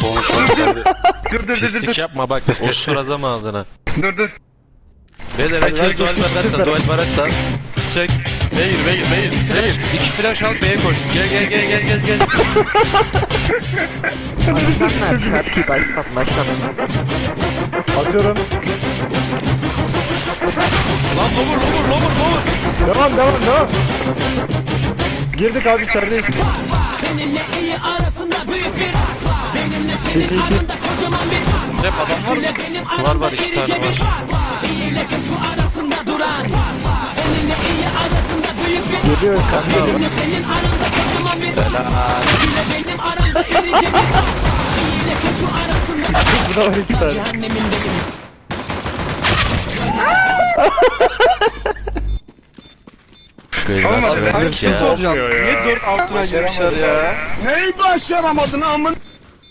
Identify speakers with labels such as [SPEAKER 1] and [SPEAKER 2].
[SPEAKER 1] Dur.
[SPEAKER 2] Pislik yapma bak. Osurazam ağzına.
[SPEAKER 1] Dur.
[SPEAKER 2] Beyler herkes dual baratta. Çek. Beyir. İki flash al B'ye koş. Gel.
[SPEAKER 3] Atıyorum.
[SPEAKER 2] Lan lower.
[SPEAKER 3] Devam. Girdik abi içerideyiz.
[SPEAKER 4] Seninle iyi arasında büyük bir fark var. Benimle senin aranda kocaman bir fark var.
[SPEAKER 2] Rap adam var mı? Var iki tane var.
[SPEAKER 4] İyi ile kötü arasında duran fark var. Seninle iyi arasında büyük bir fark
[SPEAKER 3] Geliyor
[SPEAKER 4] var.
[SPEAKER 3] kanka.
[SPEAKER 4] Benimle senin aranda kocaman bir fark var. İyi ile benim aramda irici bir fark var. İyi ile kötü arasında
[SPEAKER 3] Burada var iki tane.
[SPEAKER 4] cehennemindeyim.
[SPEAKER 1] Ama
[SPEAKER 2] Severdik
[SPEAKER 1] bir şey
[SPEAKER 2] ya.
[SPEAKER 1] soracağım. Niye 4 altına girmişler ya?
[SPEAKER 5] Neyi başaramadın amın?